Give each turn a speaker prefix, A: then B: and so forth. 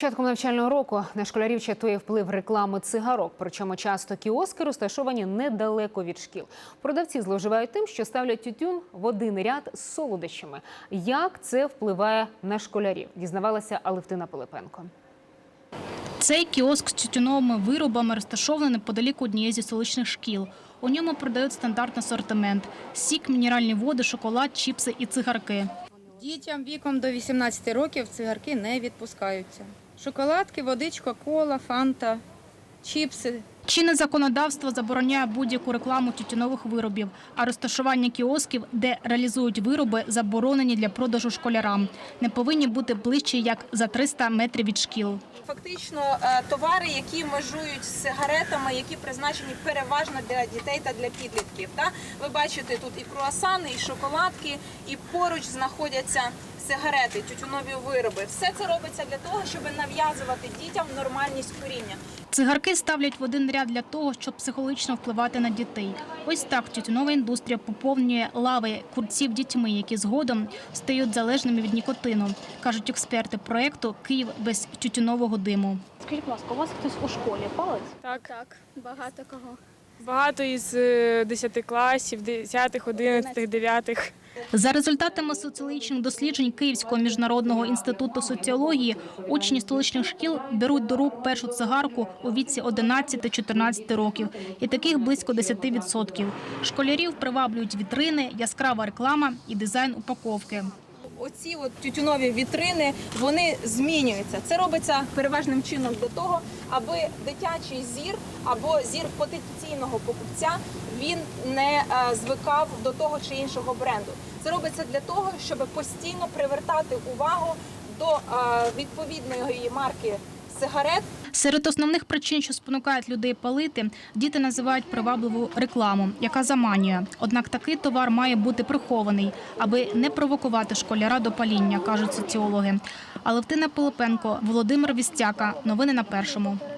A: Початком навчального року на школярів чатує вплив реклами цигарок, причому часто кіоски розташовані недалеко від шкіл. Продавці зловживають тим, що ставлять тютюн в один ряд з солодощами. Як це впливає на школярів, дізнавалася Алевтина Пилипенко.
B: Цей кіоск з тютюновими виробами розташований неподалік однієї зі столичних шкіл. У ньому продають стандартний асортимент – сік, мінеральні води, шоколад, чіпси і цигарки.
C: Дітям віком до 18 років цигарки не відпускаються. Шоколадки, водичка, кола, фанта, чіпси.
B: Чинне законодавство забороняє будь-яку рекламу тютюнових виробів, а розташування кіосків, де реалізують вироби, заборонені для продажу школярам. Не повинні бути ближче, як за 300 метрів від шкіл.
D: Фактично товари, які межують з сигаретами, які призначені переважно для дітей та для підлітків. Ви бачите тут і круасани, і шоколадки, і поруч знаходяться сигарети, тютюнові вироби. Все це робиться для того, щоб нав'язувати дітям нормальність куріння.
B: Цигарки ставлять в один ряд для того, щоб психологічно впливати на дітей. Ось так тютюнова індустрія поповнює лави курців дітьми, які згодом стають залежними від нікотину, кажуть експерти проєкту «Київ без тютюнового диму».
E: Скажіть, будь ласка, у вас хтось у школі палить?
F: Так, багато кого. Багато із 10 класів, 10, 11, 9.
B: За результатами соціологічних досліджень Київського міжнародного інституту соціології, учні столичних шкіл беруть до рук першу цигарку у віці 11-14 років. І таких близько 10%. Школярів приваблюють вітрини, яскрава реклама і дизайн упаковки.
D: Оці тютюнові вітрини, вони змінюються. Це робиться переважним чином для того, аби дитячий зір або зір потенційного покупця, він не звикав до того чи іншого бренду. Це робиться для того, щоб постійно привертати увагу до відповідної марки сигарет.
B: Серед основних причин, що спонукають людей палити, діти називають привабливу рекламу, яка заманює. Однак такий товар має бути прихований, аби не провокувати школяра до паління, кажуть соціологи. Алевтина Пилипенко, Володимир Вістяка. Новини на Першому.